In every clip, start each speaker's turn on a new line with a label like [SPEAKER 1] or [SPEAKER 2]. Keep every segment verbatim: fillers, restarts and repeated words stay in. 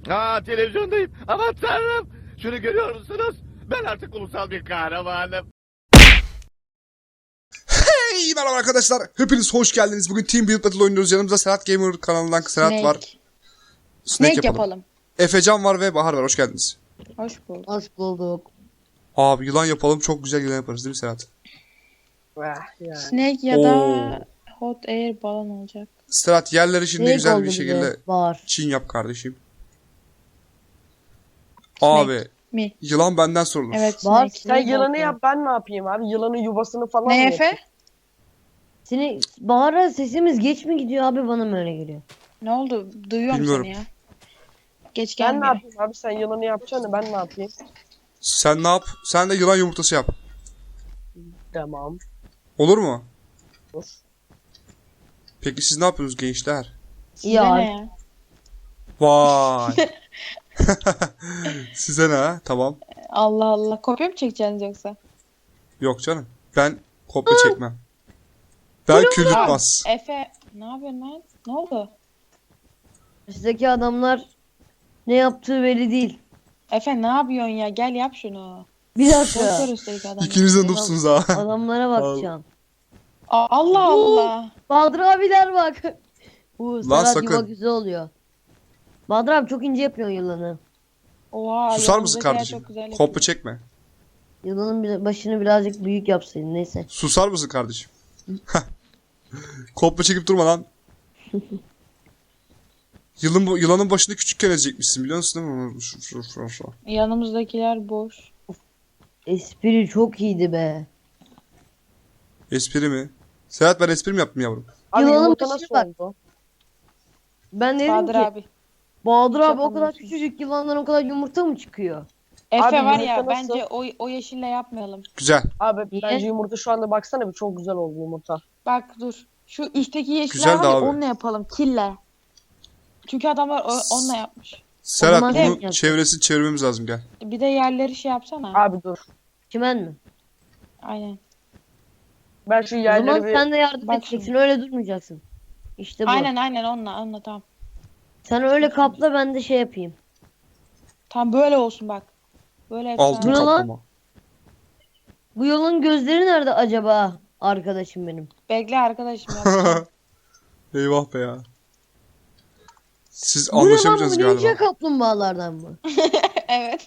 [SPEAKER 1] Aa, televizyondayım. Aman tanrım. Şunu görüyor musunuz? Ben artık ulusal bir kahramanım.
[SPEAKER 2] Hey merhaba arkadaşlar. Hepiniz hoş geldiniz. Bugün Team Build Battle oynuyoruz. Yanımızda Serhat Gamer kanalından Serhat
[SPEAKER 3] Snake.
[SPEAKER 2] var. Snake,
[SPEAKER 3] Snake
[SPEAKER 2] yapalım.
[SPEAKER 3] yapalım.
[SPEAKER 2] Efecan var ve Bahar var. Hoş geldiniz.
[SPEAKER 3] Hoş bulduk.
[SPEAKER 4] Hoş bulduk.
[SPEAKER 2] Abi yılan yapalım. Çok güzel yılan yaparız değil mi Serhat?
[SPEAKER 4] Yani.
[SPEAKER 3] Snake ya
[SPEAKER 2] Oo.
[SPEAKER 3] da Hot Air balon olacak.
[SPEAKER 2] Serhat yerleri şimdi
[SPEAKER 4] Snake
[SPEAKER 2] güzel
[SPEAKER 4] oldu
[SPEAKER 2] bir
[SPEAKER 4] bize,
[SPEAKER 2] şekilde
[SPEAKER 4] Var.
[SPEAKER 2] çin yap kardeşim. Abi
[SPEAKER 3] Mi?
[SPEAKER 2] yılan benden sorulur.
[SPEAKER 3] Evet
[SPEAKER 4] Var.
[SPEAKER 3] Snake.
[SPEAKER 5] Sen yılanı
[SPEAKER 4] oldu.
[SPEAKER 5] yap, ben ne yapayım abi? Yılanın yuvasını falan
[SPEAKER 3] Ne
[SPEAKER 5] mı
[SPEAKER 3] Efe?
[SPEAKER 5] yapayım?
[SPEAKER 4] Seni Bahar'a sesimiz geç mi gidiyor abi, bana mı öyle geliyor?
[SPEAKER 3] Ne oldu? Duyuyorum
[SPEAKER 2] Bilmiyorum.
[SPEAKER 3] seni ya. Geç
[SPEAKER 5] Ben ne
[SPEAKER 3] gelmiyor.
[SPEAKER 5] yapayım abi? Sen yılanı yapacaksın, ben ne yapayım?
[SPEAKER 2] Sen ne yap? Sen de yılan yumurtası yap.
[SPEAKER 5] Tamam.
[SPEAKER 2] Olur mu?
[SPEAKER 5] Dur.
[SPEAKER 2] Peki siz ne yapıyorsunuz gençler?
[SPEAKER 3] Size
[SPEAKER 4] Ya.
[SPEAKER 3] ne ya?
[SPEAKER 2] Vay. Size ne ha? Tamam.
[SPEAKER 3] Allah Allah. Kopya mı çekeceksiniz yoksa?
[SPEAKER 2] Yok canım. Ben kopya çekmem. Ben kül yutmaz.
[SPEAKER 3] Efe ne yapıyorsun lan? Ne oldu?
[SPEAKER 4] Sizdeki adamlar ne yaptığı belli değil.
[SPEAKER 3] Efe ne yapıyorsun ya? Gel yap şunu.
[SPEAKER 4] Bir dakika.
[SPEAKER 3] Boşver üstelik adamı.
[SPEAKER 2] İkiniz de noobsunuz ha.
[SPEAKER 4] Adamlara bakacağım.
[SPEAKER 3] Aa, Allah Allah.
[SPEAKER 4] Bahadır abiler bak. Bu
[SPEAKER 2] Lan
[SPEAKER 4] Serhat
[SPEAKER 2] sakın.
[SPEAKER 4] yuva güzel oluyor. Bahadır abi çok ince yapıyorsun yılanı.
[SPEAKER 3] Oha.
[SPEAKER 2] Susar mısın
[SPEAKER 3] yanımızdakiler
[SPEAKER 2] kardeşim?
[SPEAKER 3] çok güzel
[SPEAKER 2] Kopya
[SPEAKER 3] yapıyor.
[SPEAKER 2] çekme.
[SPEAKER 4] Yılanın bir- başını birazcık büyük yapsaydın, neyse.
[SPEAKER 2] Susar mısın kardeşim? Kopya çekip durma lan. Yılın, bu- yılanın başını küçükken ezecekmişsin biliyor musun değil mi? Şu- şu- şu- şu.
[SPEAKER 3] Yanımızdakiler boş.
[SPEAKER 4] Espri çok iyiydi be.
[SPEAKER 2] Espri mi? Serhat ben espri mi yaptım yavrum?
[SPEAKER 5] Abi
[SPEAKER 4] Yılanın
[SPEAKER 5] yumurta
[SPEAKER 4] başına
[SPEAKER 5] nasıl
[SPEAKER 4] bak.
[SPEAKER 5] oldu?
[SPEAKER 4] Ben dedim
[SPEAKER 3] Bahadır
[SPEAKER 4] ki
[SPEAKER 3] abi.
[SPEAKER 4] Bahadır abi o kadar
[SPEAKER 3] Yapamıyorsun.
[SPEAKER 4] küçücük yılandan o kadar yumurta mı çıkıyor?
[SPEAKER 3] Efe
[SPEAKER 5] Abi
[SPEAKER 3] var
[SPEAKER 5] yumurta
[SPEAKER 3] ya
[SPEAKER 5] nasıl?
[SPEAKER 3] bence o, o yeşille yapmayalım.
[SPEAKER 2] Güzel.
[SPEAKER 5] Abi
[SPEAKER 4] Niye?
[SPEAKER 5] bence yumurta şu anda baksana bir çok güzel oldu yumurta.
[SPEAKER 3] Bak dur. Şu üstteki yeşiller
[SPEAKER 2] Güzel
[SPEAKER 3] var
[SPEAKER 2] de
[SPEAKER 3] ya
[SPEAKER 2] abi.
[SPEAKER 3] onunla yapalım. Kille. Çünkü adamlar o- onunla yapmış.
[SPEAKER 2] Serhat
[SPEAKER 4] zaman
[SPEAKER 2] bunun
[SPEAKER 4] yapacağız.
[SPEAKER 2] çevresini çevirmemiz lazım gel.
[SPEAKER 3] Bir de yerleri şey yapsana.
[SPEAKER 5] Abi dur.
[SPEAKER 4] Çimen mi?
[SPEAKER 3] Aynen.
[SPEAKER 5] Ben şu
[SPEAKER 4] O
[SPEAKER 5] yerleri
[SPEAKER 4] zaman
[SPEAKER 5] bir...
[SPEAKER 4] sen de yardım
[SPEAKER 3] Bak
[SPEAKER 4] edeceksin,
[SPEAKER 3] şimdi.
[SPEAKER 4] öyle durmayacaksın. İşte bu.
[SPEAKER 3] Aynen aynen onunla onunla tamam.
[SPEAKER 4] Sen öyle kapla, ben de şey yapayım.
[SPEAKER 3] Tam böyle olsun bak. Böyle efsane.
[SPEAKER 2] Altın
[SPEAKER 4] Bu ne lan?
[SPEAKER 2] kaplama.
[SPEAKER 4] Bu yolun gözleri nerede acaba, arkadaşım benim?
[SPEAKER 3] Bekle arkadaşım yapacağım.
[SPEAKER 2] Eyvah be ya. Siz
[SPEAKER 4] Bu ne lan, bu
[SPEAKER 2] anlaşamayacaksınız
[SPEAKER 4] ninja
[SPEAKER 2] galiba.
[SPEAKER 4] kaplumbağalardan mı?
[SPEAKER 3] Evet.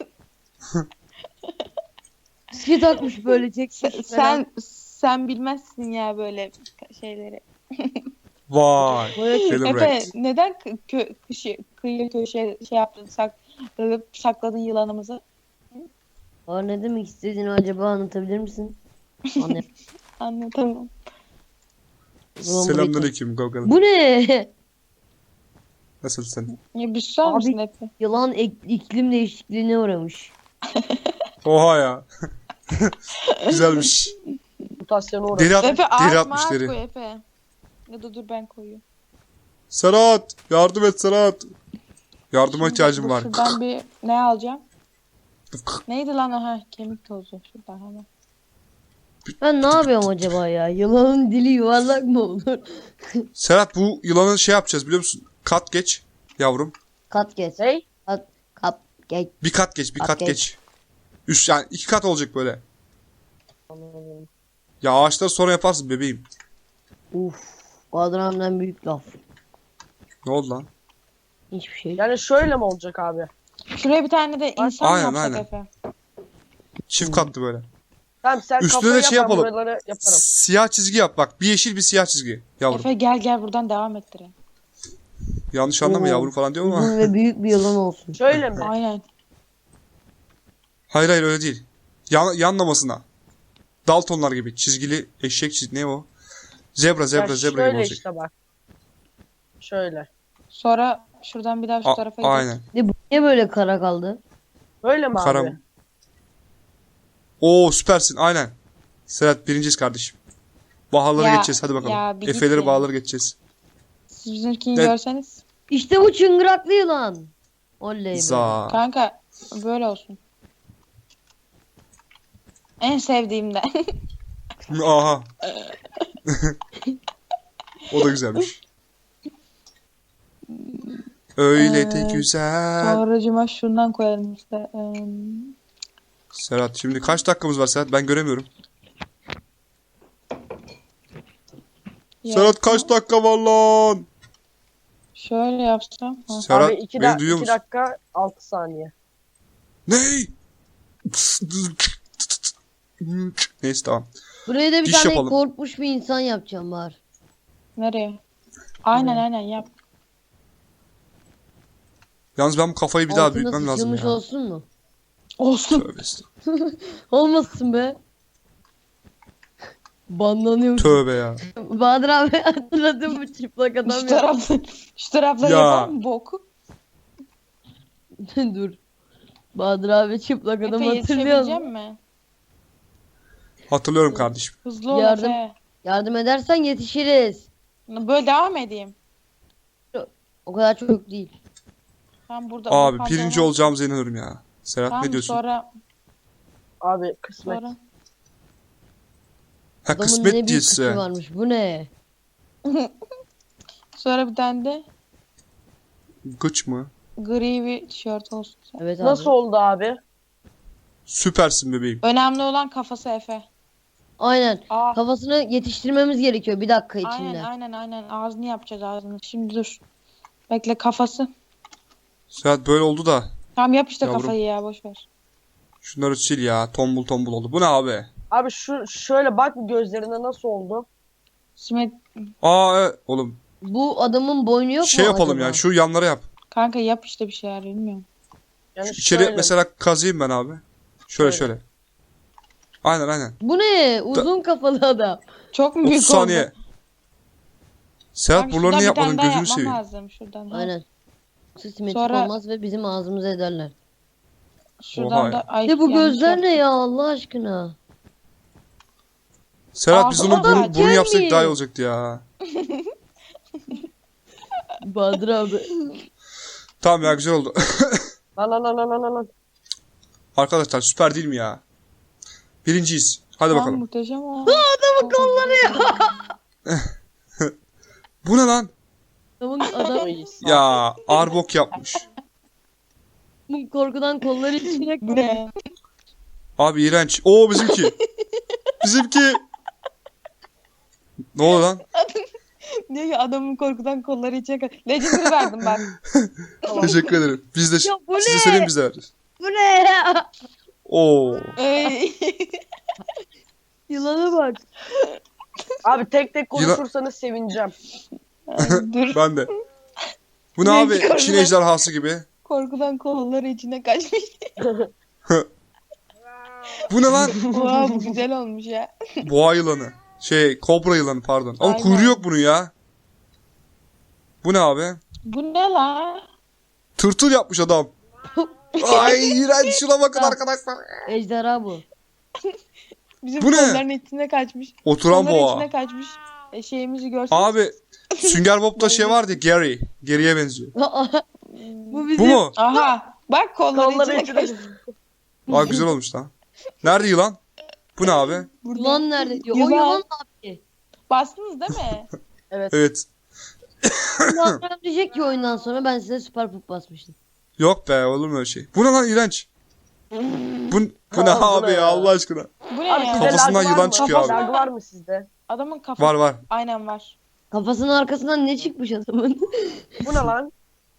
[SPEAKER 4] Maske takmış böyle,
[SPEAKER 3] Sen,
[SPEAKER 4] çekmiş.
[SPEAKER 3] sen sen bilmezsin ya böyle şeyleri.
[SPEAKER 2] Vay.
[SPEAKER 4] Böyle çek-
[SPEAKER 3] Efe
[SPEAKER 2] Celebrate.
[SPEAKER 3] neden kı- kö kışı, kıyı köşe şey yaptın sak sakladın yılanımızı?
[SPEAKER 4] Aa, ne demek istediğini acaba anlatabilir misin? Anne.
[SPEAKER 3] Anlatamam.
[SPEAKER 2] Selamünaleyküm Google.
[SPEAKER 4] Bu ne?
[SPEAKER 2] Nasılsın?
[SPEAKER 3] Ya bir susar
[SPEAKER 4] Abi-
[SPEAKER 3] mısın Efe?
[SPEAKER 4] Yılan ek- iklim değişikliğine uğramış.
[SPEAKER 2] Oha ya. Güzelmiş.
[SPEAKER 5] Mutasyona uğradı.
[SPEAKER 2] Deri, at,
[SPEAKER 3] Efe
[SPEAKER 2] deri
[SPEAKER 3] ağaç
[SPEAKER 2] atmış
[SPEAKER 3] mağaç
[SPEAKER 2] deri.
[SPEAKER 3] koy Efe. Ya da dur ben koyayım.
[SPEAKER 2] Serhat! Yardım et Serhat. Yardıma ihtiyacım
[SPEAKER 3] Dur,
[SPEAKER 2] var.
[SPEAKER 3] Şuradan bir ne alacağım? Neydi lan o? Ha, kemik tozu. Şuradan hemen.
[SPEAKER 4] Ben ne yapıyorum acaba ya? Yılanın dili yuvarlak mı olur?
[SPEAKER 2] Serhat bu yılanı şey yapacağız biliyor musun? Kat geç yavrum.
[SPEAKER 4] Kat geç.
[SPEAKER 5] Hey?
[SPEAKER 4] Kat, kap geç.
[SPEAKER 2] Bir kat geç, bir
[SPEAKER 4] Kat
[SPEAKER 2] kat
[SPEAKER 4] geç.
[SPEAKER 2] geç. Üst yani iki kat olacak böyle. Ya ağaçları sonra yaparsın bebeğim.
[SPEAKER 4] Uf. Bahadır abimden büyük laf.
[SPEAKER 2] Ne oldu lan?
[SPEAKER 4] Hiçbir şey.
[SPEAKER 5] Yani şöyle mi olacak abi?
[SPEAKER 3] Şuraya bir tane de insan
[SPEAKER 2] Aynen,
[SPEAKER 3] yapsak
[SPEAKER 2] aynen.
[SPEAKER 3] Efe.
[SPEAKER 2] Çift katlı böyle.
[SPEAKER 5] Tamam sen
[SPEAKER 2] Üstüne
[SPEAKER 5] kafayı
[SPEAKER 2] de
[SPEAKER 5] yap,
[SPEAKER 2] şey
[SPEAKER 5] ben
[SPEAKER 2] yapalım.
[SPEAKER 5] buraları yaparım.
[SPEAKER 2] Siyah çizgi yap bak. Bir yeşil bir siyah çizgi. Yavrum.
[SPEAKER 3] Efe gel gel buradan devam ettirelim.
[SPEAKER 2] Yanlış anlama
[SPEAKER 4] Oo.
[SPEAKER 2] yavrum falan diyorum ama.
[SPEAKER 4] Uzun ve büyük bir yılan olsun.
[SPEAKER 5] Şöyle mi?
[SPEAKER 3] Aynen.
[SPEAKER 2] Hayır hayır öyle değil. Yan, yanlamasına. Daltonlar gibi. Çizgili eşek çizgi. Ne o? Zebra zebra
[SPEAKER 5] Ya
[SPEAKER 2] zebra gibi
[SPEAKER 5] şöyle
[SPEAKER 2] olacak.
[SPEAKER 5] işte bak. Şöyle.
[SPEAKER 3] Sonra şuradan bir daha şu
[SPEAKER 2] A-
[SPEAKER 3] tarafa gidelim.
[SPEAKER 2] aynen.
[SPEAKER 4] Ne, bu niye böyle kara kaldı?
[SPEAKER 5] Böyle mi
[SPEAKER 2] Karam.
[SPEAKER 5] abi?
[SPEAKER 2] Oo süpersin aynen. Serhat birinciyiz kardeşim. Baharları
[SPEAKER 3] Ya-
[SPEAKER 2] geçeceğiz hadi bakalım.
[SPEAKER 3] ya bir git
[SPEAKER 2] Efeleri
[SPEAKER 3] ya.
[SPEAKER 2] bağları geçeceğiz.
[SPEAKER 3] Siz bizimkini
[SPEAKER 2] Ne-
[SPEAKER 3] görseniz.
[SPEAKER 4] İşte bu çıngıraklı yılan. Oley be.
[SPEAKER 2] Za.
[SPEAKER 3] Kanka böyle olsun. En sevdiğimden.
[SPEAKER 2] Aha. O da güzelmiş. Öyle
[SPEAKER 3] Ee,
[SPEAKER 2] de güzel.
[SPEAKER 3] Sonracıma şundan koyalım işte. Ee,
[SPEAKER 2] Serhat şimdi kaç dakikamız var Serhat? Ben göremiyorum. Serhat
[SPEAKER 3] yapsam.
[SPEAKER 2] kaç dakika var lan?
[SPEAKER 3] Şöyle yapsam. Ha.
[SPEAKER 2] Serhat
[SPEAKER 5] Abi iki,
[SPEAKER 2] beni
[SPEAKER 5] da
[SPEAKER 2] duyuyor
[SPEAKER 5] iki
[SPEAKER 2] musun?
[SPEAKER 5] dakika altı saniye.
[SPEAKER 2] Ney? Neyse tamam.
[SPEAKER 4] Buraya da bir
[SPEAKER 2] Diş
[SPEAKER 4] tane
[SPEAKER 2] yapalım.
[SPEAKER 4] korkmuş bir insan yapacağım var.
[SPEAKER 3] Nereye? Aynen
[SPEAKER 5] Buraya.
[SPEAKER 3] aynen yap.
[SPEAKER 2] Yalnız ben bu kafayı bir daha
[SPEAKER 4] Altına
[SPEAKER 2] büyütmem lazım
[SPEAKER 4] sıçılmış
[SPEAKER 2] ya.
[SPEAKER 4] olsun mu?
[SPEAKER 3] Olsun.
[SPEAKER 2] Tövbe estağfurullah.
[SPEAKER 4] Olmasın be. Banlanıyor.
[SPEAKER 2] Tövbe ya.
[SPEAKER 4] Bahadır abi hatırladın mı çıplak adam
[SPEAKER 3] Şu
[SPEAKER 4] ya?
[SPEAKER 3] tarafta, şu tarafta
[SPEAKER 2] Ya.
[SPEAKER 3] yapalım mı boku?
[SPEAKER 4] Dur. Bahadır abi çıplak adam
[SPEAKER 3] Efe
[SPEAKER 4] hatırlıyor
[SPEAKER 3] yetişebilecek
[SPEAKER 4] musun?
[SPEAKER 3] mi?
[SPEAKER 2] Hatırlıyorum kardeşim.
[SPEAKER 3] Hızlı ol
[SPEAKER 4] Yardım.
[SPEAKER 3] Efe.
[SPEAKER 4] Yardım edersen yetişiriz.
[SPEAKER 3] Böyle devam edeyim.
[SPEAKER 4] O kadar çok değil.
[SPEAKER 3] Ben burada
[SPEAKER 2] Abi
[SPEAKER 3] bu
[SPEAKER 2] birinci
[SPEAKER 3] pantolon-
[SPEAKER 2] olacağımıza inanıyorum ya. Serhat
[SPEAKER 3] Tamam,
[SPEAKER 2] ne diyorsun?
[SPEAKER 3] Sonra,
[SPEAKER 5] Abi kısmet.
[SPEAKER 3] sonra.
[SPEAKER 2] Ha
[SPEAKER 4] Adamın
[SPEAKER 2] kısmet
[SPEAKER 4] ne büyük
[SPEAKER 2] değilse.
[SPEAKER 4] kıçı varmış. Bu ne?
[SPEAKER 3] Sonra bir tane de
[SPEAKER 2] Gıç mı?
[SPEAKER 3] gri bir tişört olsun.
[SPEAKER 4] Evet abi.
[SPEAKER 5] Nasıl oldu abi?
[SPEAKER 2] Süpersin bebeğim.
[SPEAKER 3] Önemli olan kafası Efe.
[SPEAKER 4] Aynen.
[SPEAKER 3] Aa,
[SPEAKER 4] Kafasını yetiştirmemiz gerekiyor bir dakika
[SPEAKER 3] aynen
[SPEAKER 4] içinde.
[SPEAKER 3] aynen aynen. Ağzını yapacağız ağzını. Şimdi dur. Bekle kafası.
[SPEAKER 2] Serhat böyle oldu da.
[SPEAKER 3] Tamam yap işte
[SPEAKER 2] Yavrum.
[SPEAKER 3] kafayı ya boş ver.
[SPEAKER 2] Şunları sil ya. Tombul tombul oldu. Bu ne abi?
[SPEAKER 5] Abi şu şöyle bak bir gözlerine nasıl oldu?
[SPEAKER 3] Simet
[SPEAKER 2] Aa evet. Oğlum
[SPEAKER 4] Bu adamın boynu yok
[SPEAKER 2] şey
[SPEAKER 4] mu
[SPEAKER 2] yapalım
[SPEAKER 4] acaba?
[SPEAKER 2] ya. Şu yanlara yap.
[SPEAKER 3] kanka yap işte bir şeyler bilmiyorum.
[SPEAKER 5] Yani
[SPEAKER 2] Şu içeri
[SPEAKER 5] şöyle.
[SPEAKER 2] mesela kazıyım ben abi. Şöyle
[SPEAKER 5] Şöyle.
[SPEAKER 2] şöyle. Aynen aynen.
[SPEAKER 4] Bu ne? Uzun kafalı adam.
[SPEAKER 3] Çok mu büyük
[SPEAKER 2] otuz saniye.
[SPEAKER 3] oldu?
[SPEAKER 2] Serhat
[SPEAKER 3] Kanka
[SPEAKER 2] buralarını
[SPEAKER 3] şuradan bir
[SPEAKER 2] yapmadın
[SPEAKER 3] tane daha
[SPEAKER 2] gözünü
[SPEAKER 3] yapmam
[SPEAKER 2] seveyim.
[SPEAKER 3] lazım şuradan. ha.
[SPEAKER 4] Aynen. Yoksa simetrik
[SPEAKER 3] Sonra-
[SPEAKER 4] olmaz ve bizim ağzımıza ederler.
[SPEAKER 3] Şuradan
[SPEAKER 2] Oha
[SPEAKER 3] da
[SPEAKER 2] ya.
[SPEAKER 3] ay,
[SPEAKER 4] Ne bu
[SPEAKER 3] yanlış
[SPEAKER 4] gözler
[SPEAKER 3] yaptım.
[SPEAKER 4] ne ya Allah aşkına?
[SPEAKER 2] Serhat biz
[SPEAKER 3] Aa,
[SPEAKER 2] onun burun,
[SPEAKER 4] bak,
[SPEAKER 2] burun yapsak
[SPEAKER 4] gelmeyin.
[SPEAKER 2] daha iyi olacaktı ya.
[SPEAKER 4] Bahadır abi.
[SPEAKER 2] Tamam ya güzel oldu.
[SPEAKER 5] Lan lan lan lan lan lan.
[SPEAKER 2] Arkadaşlar süper değil mi ya? Birinciyiz. Hadi
[SPEAKER 3] Tamam,
[SPEAKER 2] bakalım.
[SPEAKER 3] muhteşem o.
[SPEAKER 4] Adamın kolları ya.
[SPEAKER 2] Bu ne lan?
[SPEAKER 4] Adamın, adamın
[SPEAKER 5] Oy,
[SPEAKER 2] Ya arbok yapmış.
[SPEAKER 4] korkudan kolları içine
[SPEAKER 3] Bu ne?
[SPEAKER 2] Abi iğrenç. Oo bizimki. Bizimki. Ne oldu lan?
[SPEAKER 3] Diyor ki adamın korkudan kolları içine kadar. Legendary verdim bak.
[SPEAKER 2] Teşekkür ederim. Biz de
[SPEAKER 4] Ya bu
[SPEAKER 2] size
[SPEAKER 4] ne?
[SPEAKER 2] söyleyeyim biz de veririz.
[SPEAKER 4] Bu ne ya?
[SPEAKER 2] Oo.
[SPEAKER 3] Ey.
[SPEAKER 4] Yılana bak.
[SPEAKER 5] Abi tek tek
[SPEAKER 2] Yılan-
[SPEAKER 5] konuşursanız sevineceğim.
[SPEAKER 3] Ay, dur.
[SPEAKER 2] Ben de. Bu ne
[SPEAKER 3] Ne
[SPEAKER 2] abi?
[SPEAKER 3] çıkardın
[SPEAKER 2] Çin
[SPEAKER 3] lan?
[SPEAKER 2] ejderhası gibi.
[SPEAKER 3] Korkudan kolları içine kaçmış.
[SPEAKER 2] Bu ne lan?
[SPEAKER 3] Oha bu güzel olmuş ya.
[SPEAKER 2] Boğa yılanı. Şey kobra yılanı pardon. Ama
[SPEAKER 3] Aynen.
[SPEAKER 2] kuyruğu yok bunun ya. Bu ne abi?
[SPEAKER 3] Bu ne la?
[SPEAKER 2] Tırtıl yapmış adam. Ay iğrenç şuna bakın
[SPEAKER 4] Tamam.
[SPEAKER 2] arkadaşlar.
[SPEAKER 4] Ejderha bu.
[SPEAKER 3] Bizim
[SPEAKER 2] Bu ne?
[SPEAKER 3] kolların içine kaçmış.
[SPEAKER 2] Oturan
[SPEAKER 3] Kolların
[SPEAKER 2] boğa.
[SPEAKER 3] içine kaçmış. E, şeyimizi görsün.
[SPEAKER 2] Abi Sünger Bob'da şey vardı ya, Gary. Gary'e benziyor.
[SPEAKER 4] Bu bizim.
[SPEAKER 2] Bu mu?
[SPEAKER 3] Aha. Bak kolları,
[SPEAKER 5] Kolları
[SPEAKER 3] içine
[SPEAKER 5] içine.
[SPEAKER 3] kaçmış.
[SPEAKER 2] Aa güzel olmuş lan. Nerede yılan? Bu ne abi?
[SPEAKER 4] Yılan nerede diyor. O
[SPEAKER 3] Yılan.
[SPEAKER 4] yılan abi.
[SPEAKER 3] Bastınız değil mi?
[SPEAKER 2] Evet.
[SPEAKER 4] Yılan diyecek ki oyundan sonra ben size süper pup basmıştım.
[SPEAKER 2] Yok be olur mu öyle şey? Bu ne lan iğrenç? Bu, bu ne
[SPEAKER 5] Aa, bu
[SPEAKER 2] abi
[SPEAKER 5] ne
[SPEAKER 2] ya
[SPEAKER 5] ya?
[SPEAKER 2] Allah aşkına?
[SPEAKER 3] Bu ne
[SPEAKER 5] Abi
[SPEAKER 3] ya?
[SPEAKER 5] sizde
[SPEAKER 2] Kafasından
[SPEAKER 5] lag var
[SPEAKER 2] yılan
[SPEAKER 5] mı?
[SPEAKER 2] çıkıyor abi.
[SPEAKER 5] Lag var mı sizde?
[SPEAKER 3] Adamın kafası.
[SPEAKER 2] Var var.
[SPEAKER 3] Aynen var.
[SPEAKER 4] Kafasının arkasından ne çıkmış adamın?
[SPEAKER 5] Bu ne lan?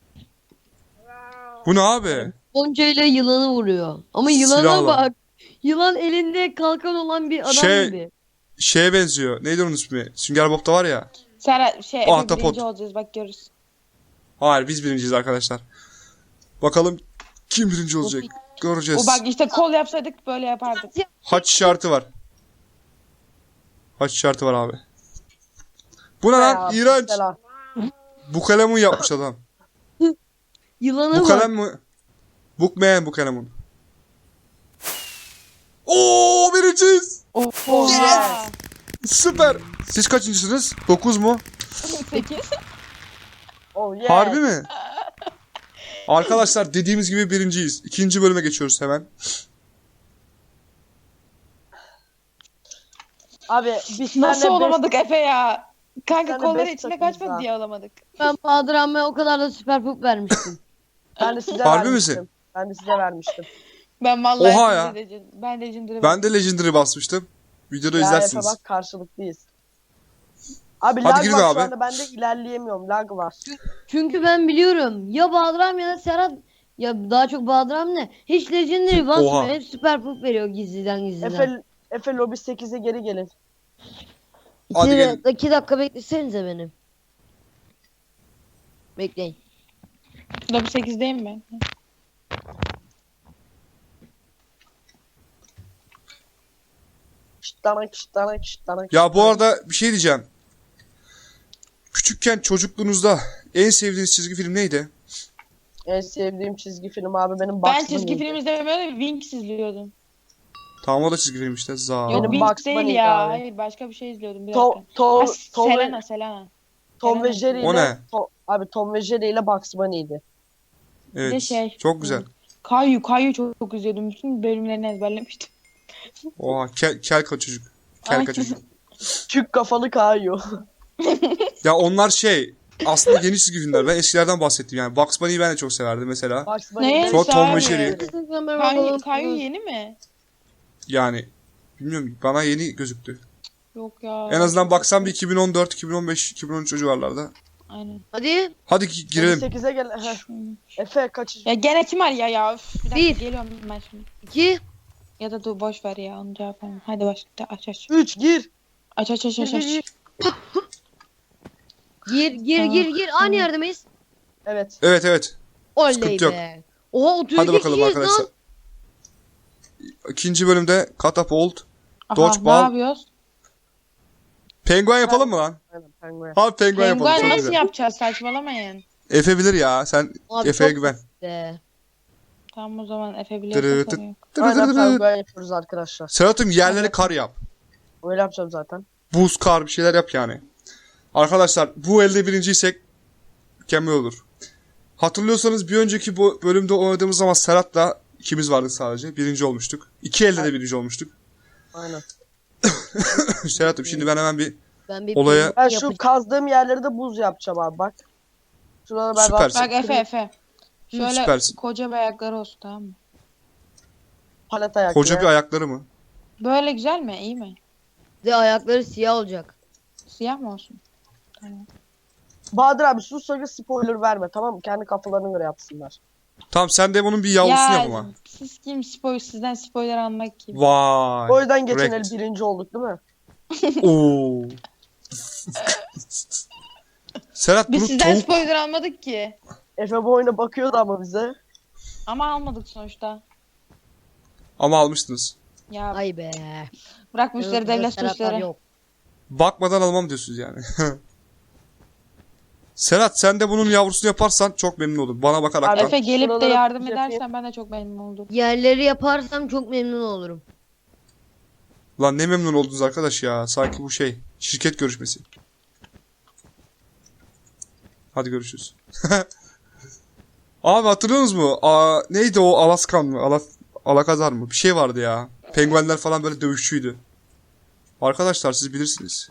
[SPEAKER 2] Bu ne abi?
[SPEAKER 4] Goncayla yılanı vuruyor. Ama yılana
[SPEAKER 2] Silahla.
[SPEAKER 4] bak. Yılan elinde kalkan olan bir adam
[SPEAKER 2] Şey-
[SPEAKER 4] gibi.
[SPEAKER 2] Şeye benziyor. Neydi onun ismi? Sünger Bob'da var ya.
[SPEAKER 3] Serhat şey Efe
[SPEAKER 2] Ahtapot.
[SPEAKER 3] birinci olacağız bak görürüz.
[SPEAKER 2] Hayır biz birinciyiz arkadaşlar. Bakalım kim birinci olacak? Göreceğiz.
[SPEAKER 3] O bak işte kol yapsaydık böyle yapardık.
[SPEAKER 2] Haç işareti var. Haç işareti var abi. Bu ne lan?
[SPEAKER 5] Ya,
[SPEAKER 2] İğrenç.
[SPEAKER 5] selam.
[SPEAKER 2] Bu kalemi yapmış adam.
[SPEAKER 4] Yılana
[SPEAKER 2] Bu
[SPEAKER 4] bak.
[SPEAKER 2] kalem mi? Bookman bu kalemin. Oo birinciyiz.
[SPEAKER 3] Oha.
[SPEAKER 2] Süper. Siz kaçıncısınız? dokuz mu?
[SPEAKER 3] sekiz.
[SPEAKER 5] Oh yeah.
[SPEAKER 2] Harbi mi? Arkadaşlar dediğimiz gibi birinciyiz. İkinci bölüme geçiyoruz hemen.
[SPEAKER 5] Abi biz
[SPEAKER 3] Nasıl
[SPEAKER 5] seninle
[SPEAKER 3] olamadık Efe ya? Kanka
[SPEAKER 5] tane
[SPEAKER 3] kolları
[SPEAKER 5] beş
[SPEAKER 3] içine
[SPEAKER 5] takımız
[SPEAKER 3] kaçmadı
[SPEAKER 5] daha.
[SPEAKER 3] diye alamadık.
[SPEAKER 4] Ben Bahadır Ahmet'e o kadar da süper pup vermiştim.
[SPEAKER 5] Ben de size
[SPEAKER 2] Harbi
[SPEAKER 5] vermiştim.
[SPEAKER 2] misin?
[SPEAKER 5] Ben de size vermiştim.
[SPEAKER 3] Ben vallahi
[SPEAKER 2] Oha ya.
[SPEAKER 3] Legend, ben Legendary'e
[SPEAKER 2] Ben de Legendary basmıştım. Videoda
[SPEAKER 5] Ya Efe
[SPEAKER 2] izlersiniz.
[SPEAKER 5] bak karşılıklıyız. Abi
[SPEAKER 2] Hadi
[SPEAKER 5] lag
[SPEAKER 2] girin
[SPEAKER 5] var
[SPEAKER 2] abi.
[SPEAKER 5] şu anda ben de ilerleyemiyorum. Lag var.
[SPEAKER 4] Çünkü ben biliyorum. Ya Bahadır Ahmet ya da Serhat. Ya daha çok Bahadır Ahmet hiç Legendary basmıyor.
[SPEAKER 2] Oha.
[SPEAKER 4] Hep süper pup veriyor gizliden gizliden.
[SPEAKER 5] Efe, Efe lobi sekize geri gelin.
[SPEAKER 2] Hadi
[SPEAKER 4] İki,
[SPEAKER 2] gelin.
[SPEAKER 4] iki dakika beklesenize beni. Bekleyin.
[SPEAKER 3] Lobby sekizdeyim ben.
[SPEAKER 5] Şıttanak şıttanak şıttanak.
[SPEAKER 2] Ya bu arada bir şey diyeceğim. Küçükken çocukluğunuzda en sevdiğiniz çizgi film neydi?
[SPEAKER 5] En sevdiğim çizgi film abi benim Bugs
[SPEAKER 3] Ben çizgi
[SPEAKER 5] Bunny'ydi.
[SPEAKER 3] film izlemiyordum. Winx izliyordum.
[SPEAKER 2] Tamam o da çizgi film işte. Za.
[SPEAKER 3] Yok
[SPEAKER 5] Benim
[SPEAKER 3] Winx
[SPEAKER 5] Bugs
[SPEAKER 3] değil
[SPEAKER 5] Bunny'ydi
[SPEAKER 3] ya.
[SPEAKER 5] abi.
[SPEAKER 3] Hayır başka bir şey izliyordum. Bir
[SPEAKER 5] To,
[SPEAKER 3] dakika.
[SPEAKER 5] to,
[SPEAKER 3] Ha,
[SPEAKER 5] Tom,
[SPEAKER 3] Selena Selena.
[SPEAKER 5] Tom ve
[SPEAKER 3] Selena.
[SPEAKER 5] Jerry ile
[SPEAKER 2] O ne?
[SPEAKER 5] To- abi Tom ve Jerry ile Bugs Bunny'ydi.
[SPEAKER 2] Evet.
[SPEAKER 3] de şey-
[SPEAKER 2] Çok güzel.
[SPEAKER 3] Kayu Kayu çok, çok izliyordum. Bütün bölümlerini ezberlemiştim.
[SPEAKER 2] Oha kel, kel ka çocuk. Kel ka çocuk.
[SPEAKER 5] Çük kafalı kayıyor.
[SPEAKER 2] Ya onlar şey aslında yeni çizgi filmler. Ben eskilerden bahsettim yani. Bugs Bunny'yi ben de çok severdim mesela.
[SPEAKER 5] Bugs
[SPEAKER 3] Ne?
[SPEAKER 5] Bunny'de
[SPEAKER 2] Sonra Tom ve
[SPEAKER 3] Abi.
[SPEAKER 2] Jerry.
[SPEAKER 3] Kayu, Kayu yeni mi?
[SPEAKER 2] Yani bilmiyorum bana yeni gözüktü.
[SPEAKER 3] Yok ya.
[SPEAKER 2] En azından baksam bir iki bin on dört, iki bin on beş, iki bin on üç o civarlarda.
[SPEAKER 3] Aynen.
[SPEAKER 4] Hadi.
[SPEAKER 2] Hadi gi- girelim.
[SPEAKER 5] sekize gel. Heh. Efe kaç?
[SPEAKER 3] Ya gene kim var ya ya? Üf, bir dakika
[SPEAKER 4] Bir.
[SPEAKER 3] geliyorum ben şimdi.
[SPEAKER 4] İki.
[SPEAKER 3] Ya da dur boş ver ya onu cevap vermem. Hadi başla aç aç.
[SPEAKER 5] üç gir.
[SPEAKER 3] Aç aç aç aç
[SPEAKER 5] Gir, gir,
[SPEAKER 3] aç.
[SPEAKER 4] Gir gir
[SPEAKER 3] Tamam.
[SPEAKER 4] gir gir. Aynı yerde miyiz?
[SPEAKER 5] Evet.
[SPEAKER 2] Evet evet.
[SPEAKER 4] Oley
[SPEAKER 2] Sıkıntı yok.
[SPEAKER 4] be. Oha otuz
[SPEAKER 2] Hadi
[SPEAKER 4] iki
[SPEAKER 2] bakalım
[SPEAKER 4] kişiyiz
[SPEAKER 2] arkadaşlar.
[SPEAKER 4] lan.
[SPEAKER 2] İkinci bölümde Catapult.
[SPEAKER 3] Aha,
[SPEAKER 2] Dodgeball.
[SPEAKER 3] ne yapıyoruz?
[SPEAKER 2] Penguen yapalım mı lan?
[SPEAKER 5] Aynen penguen.
[SPEAKER 2] Abi penguen yapalım.
[SPEAKER 3] Penguen
[SPEAKER 2] Çok
[SPEAKER 3] nasıl
[SPEAKER 2] güzel.
[SPEAKER 3] yapacağız saçmalamayın.
[SPEAKER 2] Efe bilir ya. Sen
[SPEAKER 4] Abi
[SPEAKER 2] Efe'ye
[SPEAKER 4] çok
[SPEAKER 2] güven.
[SPEAKER 4] be.
[SPEAKER 3] Tamam o zaman Efe
[SPEAKER 2] Dırı
[SPEAKER 3] biliyorsa
[SPEAKER 2] tık.
[SPEAKER 3] sorun yok.
[SPEAKER 2] Dırı
[SPEAKER 5] Aynen
[SPEAKER 2] dırı dırı.
[SPEAKER 5] penguen yapıyoruz arkadaşlar.
[SPEAKER 2] Serhat'ım yerleri kar yap.
[SPEAKER 5] Öyle yapacağım zaten.
[SPEAKER 2] Buz, kar bir şeyler yap yani. Arkadaşlar bu elde birinciysek mükemmel olur. Hatırlıyorsanız bir önceki bu bölümde oynadığımız zaman Serhat'la ikimiz vardık sadece. Birinci olmuştuk. İki elde de birinci olmuştuk.
[SPEAKER 5] Aynen.
[SPEAKER 2] Serhat'ım şimdi ben hemen bir
[SPEAKER 4] Ben bir
[SPEAKER 2] Olaya-
[SPEAKER 5] Ben
[SPEAKER 4] yapacağım.
[SPEAKER 5] şu kazdığım yerleri de buz yapacağım abi bak. Şuraları ben
[SPEAKER 2] Süpersin.
[SPEAKER 3] Bak Efe Efe. Şöyle
[SPEAKER 2] süpersin.
[SPEAKER 3] koca bir ayakları olsun tamam mı?
[SPEAKER 5] palet ayaklı.
[SPEAKER 2] koca bir ayakları mı?
[SPEAKER 3] Böyle güzel mi? İyi mi?
[SPEAKER 4] De ayakları siyah olacak.
[SPEAKER 3] Siyah mı olsun?
[SPEAKER 5] Bahadır abi sus sakın spoiler verme tamam mı? Kendi kafalarına göre yapsınlar.
[SPEAKER 2] Tamam sen de bunun bir yavrusunu yap ama.
[SPEAKER 3] siz kim spoiler sizden spoiler almak kim?
[SPEAKER 2] Vay.
[SPEAKER 5] O yüzden geçen el
[SPEAKER 2] correct.
[SPEAKER 5] birinci olduk değil mi?
[SPEAKER 2] Oo. Serhat
[SPEAKER 3] Biz
[SPEAKER 2] bunu
[SPEAKER 3] sizden
[SPEAKER 2] tavuk...
[SPEAKER 3] spoiler almadık ki.
[SPEAKER 5] Efe bu oyuna bakıyordu ama bize.
[SPEAKER 3] Ama almadık sonuçta.
[SPEAKER 2] Ama almıştınız.
[SPEAKER 3] Ya
[SPEAKER 4] Ay be.
[SPEAKER 3] bırak bu işleri
[SPEAKER 4] Yok,
[SPEAKER 3] devlet
[SPEAKER 4] Serhatlar
[SPEAKER 3] suçları.
[SPEAKER 4] yok.
[SPEAKER 2] Bakmadan almam diyorsunuz yani. Serhat sen de bunun yavrusunu yaparsan çok memnun olurum. Bana bakarak
[SPEAKER 5] Abi-
[SPEAKER 2] da.
[SPEAKER 3] Efe gelip de
[SPEAKER 5] Şuralara
[SPEAKER 3] yardım
[SPEAKER 5] yapayım.
[SPEAKER 3] edersen ben de çok memnun olurum.
[SPEAKER 4] Yerleri yaparsam çok memnun olurum.
[SPEAKER 2] Lan ne memnun oldunuz arkadaş ya. Sanki bu şey. Şirket görüşmesi. Hadi görüşürüz. Abi hatırlıyorsunuz mu? Aa, neydi o Alaskan mı? Alas Alakazar mı? Bir şey vardı ya. Penguenler falan böyle dövüşçüydü. Arkadaşlar siz bilirsiniz.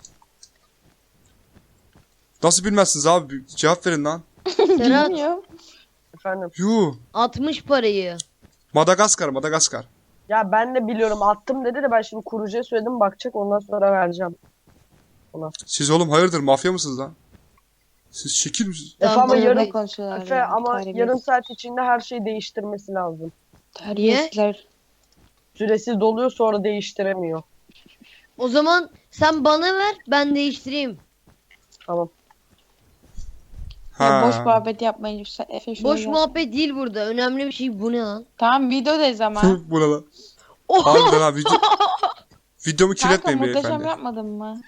[SPEAKER 2] Nasıl bilmezsiniz abi? Bir cevap verin lan.
[SPEAKER 4] Serhat
[SPEAKER 3] Bilmiyorum.
[SPEAKER 5] Efendim.
[SPEAKER 2] Yuh.
[SPEAKER 4] atmış parayı.
[SPEAKER 2] Madagaskar, Madagaskar.
[SPEAKER 5] Ya ben de biliyorum attım dedi de ben şimdi kurucuya söyledim bakacak ondan sonra vereceğim.
[SPEAKER 2] Siz oğlum hayırdır mafya mısınız lan? Siz şekil misiniz?
[SPEAKER 5] Efe
[SPEAKER 4] Tamam,
[SPEAKER 5] ama
[SPEAKER 4] buyurun.
[SPEAKER 5] yarın
[SPEAKER 3] Ne konuşuyorlar
[SPEAKER 5] Efe
[SPEAKER 3] ya,
[SPEAKER 5] ama
[SPEAKER 3] terbiyesiz.
[SPEAKER 5] yarım saat içinde her şeyi değiştirmesi lazım.
[SPEAKER 3] Terbiyesizler.
[SPEAKER 5] Süresiz doluyor sonra değiştiremiyor.
[SPEAKER 4] O zaman sen bana ver ben değiştireyim.
[SPEAKER 5] Tamam.
[SPEAKER 3] Ya
[SPEAKER 2] Ha.
[SPEAKER 3] boş muhabbet yapmayın. Sen Efe şuraya
[SPEAKER 4] Boş
[SPEAKER 3] gel.
[SPEAKER 4] muhabbet değil burada. Önemli bir şey bu ne lan?
[SPEAKER 3] Tamam videodayız ama.
[SPEAKER 2] Bu ne lan?
[SPEAKER 4] Oha!
[SPEAKER 2] Harbiden ha video... Videomu
[SPEAKER 3] Kanka
[SPEAKER 2] kirletmeyin
[SPEAKER 3] muhteşem
[SPEAKER 2] beyefendi.
[SPEAKER 3] yapmadın mı?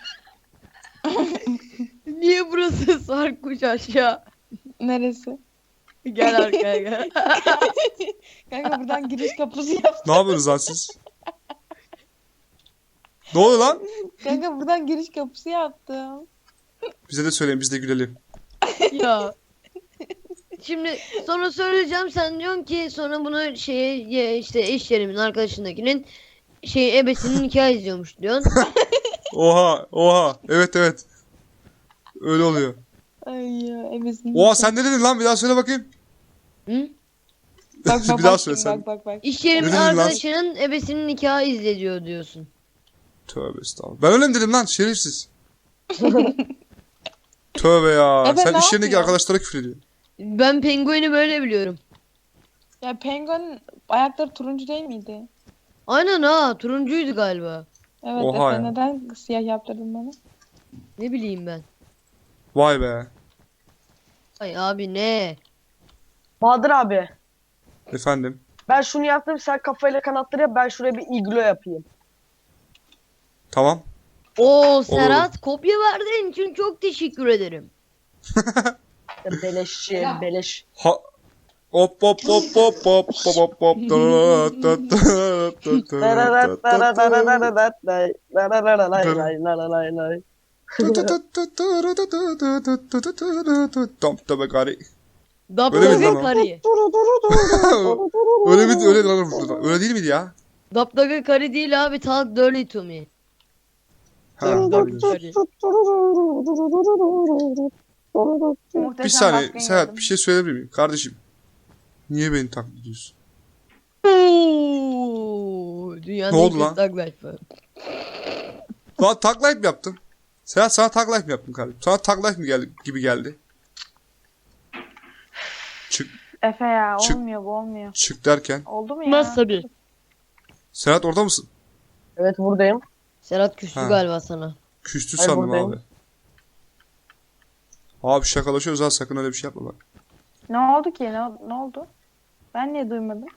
[SPEAKER 4] Niye burası sarkuş aşağı?
[SPEAKER 3] Neresi?
[SPEAKER 4] Gel arkaya gel.
[SPEAKER 3] Kanka buradan giriş kapısı yap.
[SPEAKER 2] Ne yapıyorsunuz lan siz? Ne oluyor lan?
[SPEAKER 3] Kanka buradan giriş kapısı yaptım.
[SPEAKER 2] Bize de söyleyin biz de gülelim.
[SPEAKER 4] Ya. Şimdi sonra söyleyeceğim sen diyorsun ki sonra bunu şeye ya işte iş yerimin arkadaşındakinin şey ebesinin nikah izliyormuş diyorsun.
[SPEAKER 2] Oha oha. Evet evet. Öyle oluyor.
[SPEAKER 3] Ay ya emesin.
[SPEAKER 2] Oha sen ne dedin lan? Bir daha söyle bakayım.
[SPEAKER 4] Hı?
[SPEAKER 3] Bak bak
[SPEAKER 2] Bir daha
[SPEAKER 3] bak,
[SPEAKER 2] söyle
[SPEAKER 3] şimdi,
[SPEAKER 2] sen.
[SPEAKER 3] bak bak bak.
[SPEAKER 4] İş yerimin
[SPEAKER 2] Ne dedin lan?
[SPEAKER 4] arkadaşının ebesinin nikahı izlediyor diyorsun.
[SPEAKER 2] Tövbe estağfurullah. Ben öyle mi dedim lan? Şerefsiz. Tövbe ya.
[SPEAKER 3] Ebe
[SPEAKER 2] Sen
[SPEAKER 3] ne
[SPEAKER 2] iş yerindeki
[SPEAKER 3] yapıyor?
[SPEAKER 2] arkadaşlara küfür ediyorsun.
[SPEAKER 4] Ben pengueni böyle biliyorum.
[SPEAKER 3] Ya penguin ayakları turuncu değil miydi?
[SPEAKER 4] Aynen ha, turuncuydu galiba.
[SPEAKER 3] Evet
[SPEAKER 2] Oha
[SPEAKER 3] Efe
[SPEAKER 2] ya.
[SPEAKER 3] neden siyah yaptırdın bana?
[SPEAKER 4] Ne bileyim ben.
[SPEAKER 2] Vay be.
[SPEAKER 4] Ay abi ne?
[SPEAKER 5] Bahadır abi.
[SPEAKER 2] Efendim.
[SPEAKER 5] Ben şunu yaptım, sen kafayla kanatları yap, ben şuraya bir iglo yapayım.
[SPEAKER 2] Tamam.
[SPEAKER 4] Oo Serhat kopya verdiğin için çok teşekkür ederim.
[SPEAKER 5] Ya beleşçi, beleş.
[SPEAKER 2] Ha hop hop hop hop hop hop hop hop da da Tam tabi gari. Öyle miydi lan
[SPEAKER 4] Daptaga
[SPEAKER 2] o?
[SPEAKER 4] karı.
[SPEAKER 2] Öyle miydi? Öyle lan. Öyle değil miydi ya?
[SPEAKER 4] Daptaga karı değil abi, talk dirty to me.
[SPEAKER 2] Ha,
[SPEAKER 4] Daptaga karı.
[SPEAKER 3] Muhteşem
[SPEAKER 2] bir saniye
[SPEAKER 3] baskın
[SPEAKER 2] Serhat
[SPEAKER 3] yedim.
[SPEAKER 2] bir şey söyleyebilir miyim? Kardeşim. Niye beni taklit ediyorsun?
[SPEAKER 4] Oo, dünyanın
[SPEAKER 2] Ne oldu
[SPEAKER 4] en
[SPEAKER 2] lan?
[SPEAKER 4] kötü tag life'ı.
[SPEAKER 2] Lan tag life mi yaptın? Serhat sana tag life mi yaptım kardeşim? Sana tag life mi geldi, gibi geldi? Çık,
[SPEAKER 3] Efe ya
[SPEAKER 2] Çık.
[SPEAKER 3] olmuyor bu olmuyor.
[SPEAKER 2] çık derken.
[SPEAKER 3] Oldu mu ya?
[SPEAKER 4] Nasıl tabii?
[SPEAKER 2] Serhat orada mısın?
[SPEAKER 5] Evet buradayım.
[SPEAKER 4] Serhat küstü
[SPEAKER 2] Ha.
[SPEAKER 4] galiba sana.
[SPEAKER 2] Küstü
[SPEAKER 5] Ay,
[SPEAKER 2] sandım
[SPEAKER 5] buradayım.
[SPEAKER 2] abi. Abi şakalaşıyoruz ha, sakın öyle bir şey yapma bak.
[SPEAKER 3] Ne oldu ki? Ne, ne oldu? Ben niye duymadım?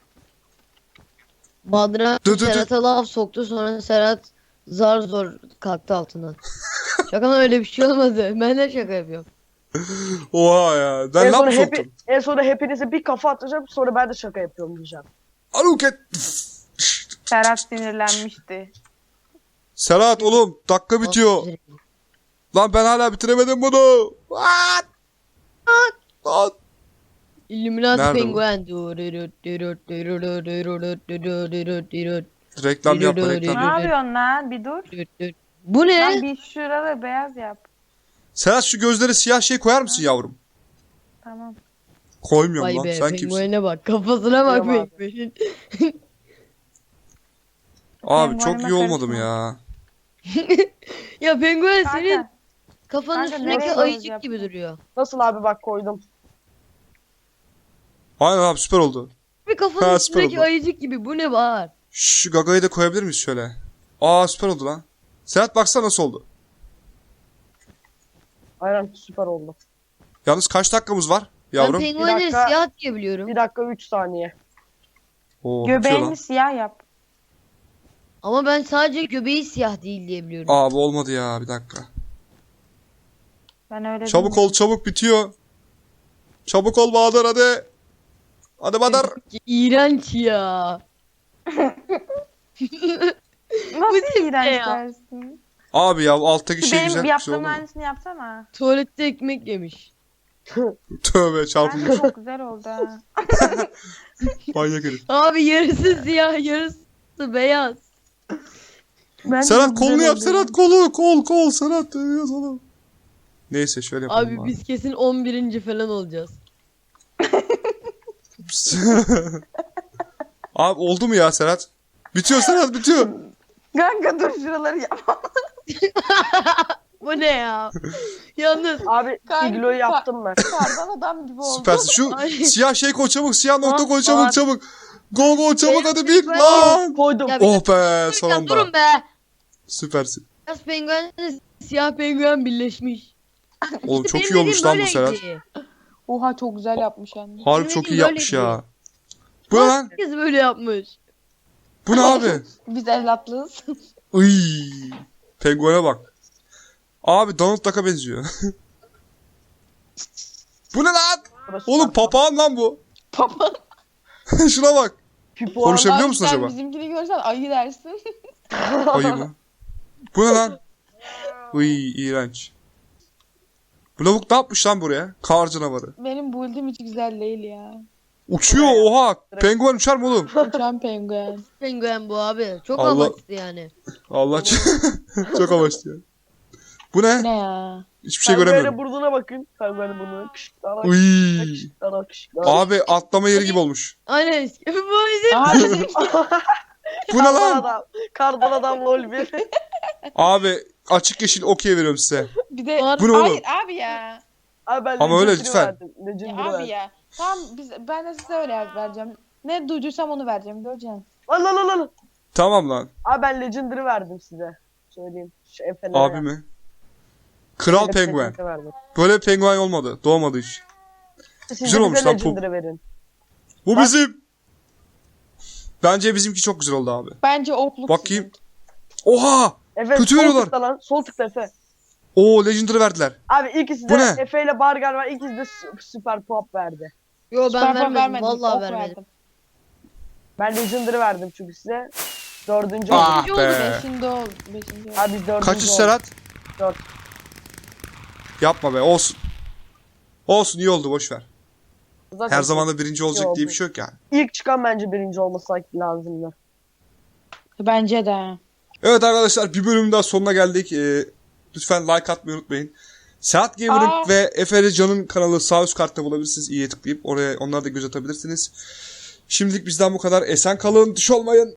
[SPEAKER 4] Badra
[SPEAKER 2] Dı dı dı.
[SPEAKER 4] Serhat'a laf soktu, sonra Serhat zar zor kalktı altından. Şaka öyle bir şey olmadı. Ben de şaka yapıyorum.
[SPEAKER 2] Oha ya. Ben
[SPEAKER 5] en,
[SPEAKER 2] ne
[SPEAKER 5] sonra
[SPEAKER 2] yapmış
[SPEAKER 5] hepi,
[SPEAKER 2] oldum?
[SPEAKER 5] en sonra hepinize bir kafa atacağım, sonra ben de şaka yapıyorum diyeceğim.
[SPEAKER 2] Aluket.
[SPEAKER 3] Serhat sinirlenmişti.
[SPEAKER 2] Serhat oğlum dakika bitiyor. Lan ben hala bitiremedim bunu. What? Lan.
[SPEAKER 4] Illuminati
[SPEAKER 2] Nerede bu?
[SPEAKER 4] penguen.
[SPEAKER 2] Reklam yapma
[SPEAKER 3] Ne
[SPEAKER 2] reklam.
[SPEAKER 3] yapıyorsun lan? Bir dur.
[SPEAKER 4] Bu
[SPEAKER 3] Lan
[SPEAKER 4] ne?
[SPEAKER 3] bir şurada beyaz yap.
[SPEAKER 2] Serhat şu gözleri siyah şey koyar mısın yavrum?
[SPEAKER 3] Tamam.
[SPEAKER 2] Koymuyorum
[SPEAKER 4] Vay
[SPEAKER 2] lan.
[SPEAKER 4] be,
[SPEAKER 2] Sen kimsin?
[SPEAKER 4] penguene bak, kafasına bak
[SPEAKER 5] Tamam abi.
[SPEAKER 4] penguenin.
[SPEAKER 2] Abi çok
[SPEAKER 3] Penguenime
[SPEAKER 2] iyi olmadım
[SPEAKER 3] karışma.
[SPEAKER 2] ya.
[SPEAKER 4] Ya penguen senin
[SPEAKER 3] Kanka.
[SPEAKER 4] kafanın
[SPEAKER 3] Kanka,
[SPEAKER 4] üstündeki
[SPEAKER 3] nereye
[SPEAKER 4] ayıcık
[SPEAKER 3] yaptın?
[SPEAKER 4] gibi duruyor.
[SPEAKER 5] Nasıl abi, bak koydum.
[SPEAKER 2] Aynen abi süper oldu.
[SPEAKER 4] Bir kafanın
[SPEAKER 2] Ha, süper
[SPEAKER 4] üstündeki
[SPEAKER 2] oldu.
[SPEAKER 4] ayıcık gibi, bu ne var?
[SPEAKER 2] Şu gagayı da koyabilir miyiz şöyle? Aa süper oldu lan. Serhat baksana nasıl oldu.
[SPEAKER 5] Aynen süper oldu.
[SPEAKER 2] Yalnız kaç dakikamız var
[SPEAKER 4] Ben
[SPEAKER 2] yavrum?
[SPEAKER 4] penguenleri
[SPEAKER 5] dakika.
[SPEAKER 4] siyah diye biliyorum.
[SPEAKER 5] Bir dakika üç saniye.
[SPEAKER 2] Oo, bitiyor lan.
[SPEAKER 3] Göbeğini siyah yap.
[SPEAKER 4] Ama ben sadece göbeği siyah değil diye biliyorum.
[SPEAKER 2] Abi olmadı ya bir dakika.
[SPEAKER 3] Ben öyle
[SPEAKER 2] Çabuk
[SPEAKER 3] bilmiyorum.
[SPEAKER 2] ol çabuk bitiyor. Çabuk ol Bahadır hadi. Hadi Bahadır.
[SPEAKER 4] İğrenç ya.
[SPEAKER 3] Nasıl iğrenç
[SPEAKER 4] ya?
[SPEAKER 3] dersin?
[SPEAKER 2] Abi ya alttaki şey
[SPEAKER 3] Benim
[SPEAKER 2] güzel bir şey
[SPEAKER 3] yaptığım
[SPEAKER 2] oldu mu?
[SPEAKER 3] aynısını yapsana.
[SPEAKER 4] Tuvalette ekmek yemiş.
[SPEAKER 2] Tövbe
[SPEAKER 3] Bence
[SPEAKER 2] çarpılmış.
[SPEAKER 3] çok güzel oldu ha.
[SPEAKER 2] Manyak herif.
[SPEAKER 4] Abi yarısı siyah, yarısı beyaz.
[SPEAKER 3] Bence
[SPEAKER 2] Serhat
[SPEAKER 3] çok
[SPEAKER 2] kolunu
[SPEAKER 3] güzel
[SPEAKER 2] yap
[SPEAKER 3] oldu.
[SPEAKER 2] Serhat kolu kol kol Serhat yaz oğlum. Neyse şöyle yapalım
[SPEAKER 4] Abi
[SPEAKER 2] abi.
[SPEAKER 4] biz kesin on birinci falan olacağız.
[SPEAKER 2] Abi oldu mu ya Serhat? Bitiyor Serhat bitiyor.
[SPEAKER 3] Kanka dur şuraları yap.
[SPEAKER 4] Bu ne ya? Yalnız
[SPEAKER 5] Abi
[SPEAKER 3] Kanka,
[SPEAKER 5] igloyu yaptım ben.
[SPEAKER 3] Kardan adam gibi oldu.
[SPEAKER 2] Süpersin. Şu
[SPEAKER 4] Ay.
[SPEAKER 2] siyah şey koy çabuk. Siyah nokta
[SPEAKER 4] Aa,
[SPEAKER 2] koy çabuk
[SPEAKER 4] aa.
[SPEAKER 2] çabuk. Go go çabuk hadi bir
[SPEAKER 4] ben-
[SPEAKER 2] lan.
[SPEAKER 5] Koydum.
[SPEAKER 4] Ya bir
[SPEAKER 2] Oh be
[SPEAKER 4] dakika,
[SPEAKER 2] sonunda.
[SPEAKER 4] durun be.
[SPEAKER 2] Süpersin.
[SPEAKER 4] Beyaz penguenle siyah penguen birleşmiş.
[SPEAKER 2] Oğlum
[SPEAKER 4] İşte
[SPEAKER 2] çok
[SPEAKER 4] benim
[SPEAKER 2] iyi olmuş lan bu
[SPEAKER 4] dediğim
[SPEAKER 2] Serhat.
[SPEAKER 4] böyleydi.
[SPEAKER 3] Oha çok güzel yapmış anne.
[SPEAKER 2] Harbi
[SPEAKER 4] Benim
[SPEAKER 2] çok iyi
[SPEAKER 4] dediğim
[SPEAKER 2] yapmış
[SPEAKER 4] böyleydi.
[SPEAKER 2] ya. Bu ne lan?
[SPEAKER 4] Herkes böyle yapmış.
[SPEAKER 2] Bu ne abi?
[SPEAKER 3] Biz evlatlığız.
[SPEAKER 2] Iy. Penguene bak. Abi Donald Duck'a benziyor. Bu ne lan?
[SPEAKER 5] Burası
[SPEAKER 2] Oğlum
[SPEAKER 5] süper.
[SPEAKER 2] papağan lan bu.
[SPEAKER 3] Papa.
[SPEAKER 2] Şuna bak.
[SPEAKER 5] Pipo
[SPEAKER 2] Konuşabiliyor
[SPEAKER 3] Abi
[SPEAKER 2] musun
[SPEAKER 3] sen
[SPEAKER 2] acaba?
[SPEAKER 3] bizimkini görsen ayı dersin.
[SPEAKER 2] Ayı mı? Bu ne lan? Iy iğrenç. Bu lavuk ne yapmış lan buraya? Kar canavarı.
[SPEAKER 3] Benim build'im hiç güzel değil ya.
[SPEAKER 2] Uçuyor oha. Penguen uçar mı oğlum?
[SPEAKER 3] Uçan penguen.
[SPEAKER 4] Penguen bu abi. Çok
[SPEAKER 2] Allah-
[SPEAKER 4] amaçlı yani.
[SPEAKER 2] Allah çok amaçlı ya. Bu ne?
[SPEAKER 3] Ne ya?
[SPEAKER 2] Hiçbir şey
[SPEAKER 5] Penguen'e
[SPEAKER 2] göremiyorum.
[SPEAKER 5] burnuna bakın. Penguen'e burnuna. Kışıklara
[SPEAKER 2] Uy.
[SPEAKER 5] kışıklara kışıklara.
[SPEAKER 2] Abi atlama yeri gibi olmuş.
[SPEAKER 4] Aynen. Bu bizim.
[SPEAKER 3] Aha bizim
[SPEAKER 2] Bu ne
[SPEAKER 5] Kardan
[SPEAKER 2] lan?
[SPEAKER 5] adam. Kardan adam lol bir.
[SPEAKER 2] Abi açık yeşil okey veriyorum size.
[SPEAKER 3] bir de
[SPEAKER 4] Var.
[SPEAKER 2] Bu ne oğlum?
[SPEAKER 3] hayır abi ya.
[SPEAKER 5] Abi ben
[SPEAKER 2] Ama öyle
[SPEAKER 5] Legendary'i
[SPEAKER 2] lütfen.
[SPEAKER 5] verdim.
[SPEAKER 3] Ya
[SPEAKER 5] Legendary'i
[SPEAKER 3] abi
[SPEAKER 5] verdim.
[SPEAKER 3] ya. Tamam biz ben de size öyle vereceğim. Ne duyduysam onu vereceğim göreceksin.
[SPEAKER 5] Lan lan lan lan.
[SPEAKER 2] Tamam lan.
[SPEAKER 5] Abi ben Legendary verdim size. Söyleyeyim. Şu Efe'lere
[SPEAKER 2] Abi
[SPEAKER 5] verdim.
[SPEAKER 2] mi? Kral
[SPEAKER 5] Efe'lere
[SPEAKER 2] penguen.
[SPEAKER 5] verdim.
[SPEAKER 2] Böyle penguen olmadı. Doğmadı hiç.
[SPEAKER 5] Siz
[SPEAKER 2] Güzel
[SPEAKER 5] de
[SPEAKER 2] olmuş
[SPEAKER 5] bize
[SPEAKER 2] lan bu.
[SPEAKER 5] Legendary verin.
[SPEAKER 2] Bu
[SPEAKER 5] Bak.
[SPEAKER 2] bizim. Bence bizimki çok güzel oldu abi.
[SPEAKER 3] Bence okluk.
[SPEAKER 2] Bakayım.
[SPEAKER 3] sizin.
[SPEAKER 2] Oha!
[SPEAKER 5] Efe
[SPEAKER 2] Kötü
[SPEAKER 5] sol
[SPEAKER 2] veriyorlar.
[SPEAKER 5] tıkla lan. Sol tıkla Efe.
[SPEAKER 2] Oo Legendary verdiler.
[SPEAKER 5] Abi ikisi
[SPEAKER 2] Bu
[SPEAKER 5] de
[SPEAKER 2] ne?
[SPEAKER 5] Efe ile Bargar var. İkisi de sü- süper pop verdi.
[SPEAKER 4] Yo ben
[SPEAKER 3] Süper Pop
[SPEAKER 4] vermedim. Vallahi
[SPEAKER 3] ok
[SPEAKER 4] vermedim.
[SPEAKER 5] Ben Legendary verdim çünkü size. Dördüncü
[SPEAKER 2] Ah
[SPEAKER 5] oldu.
[SPEAKER 4] oldu
[SPEAKER 2] be.
[SPEAKER 3] Beşinde ol. Beşinde ol.
[SPEAKER 5] Abi biz dördüncü
[SPEAKER 2] Kaçış
[SPEAKER 5] olduk.
[SPEAKER 2] Serhat?
[SPEAKER 5] Dört.
[SPEAKER 2] Yapma be olsun. Olsun iyi oldu boş ver.
[SPEAKER 5] Zaten
[SPEAKER 2] Her zaman da birinci olacak
[SPEAKER 5] oldu.
[SPEAKER 2] diye bir şey yok yani.
[SPEAKER 5] İlk çıkan bence birinci olması lazımdı.
[SPEAKER 3] Bence de.
[SPEAKER 2] Evet arkadaşlar bir bölümün daha sonuna geldik. Ee, lütfen like atmayı unutmayın. Serhat Gamer'ın
[SPEAKER 3] Aa.
[SPEAKER 2] ve Efe Can'ın kanalı sağ üst kartta bulabilirsiniz. İyiye tıklayıp oraya onlara da göz atabilirsiniz. Şimdilik bizden bu kadar. Esen kalın, düş olmayın.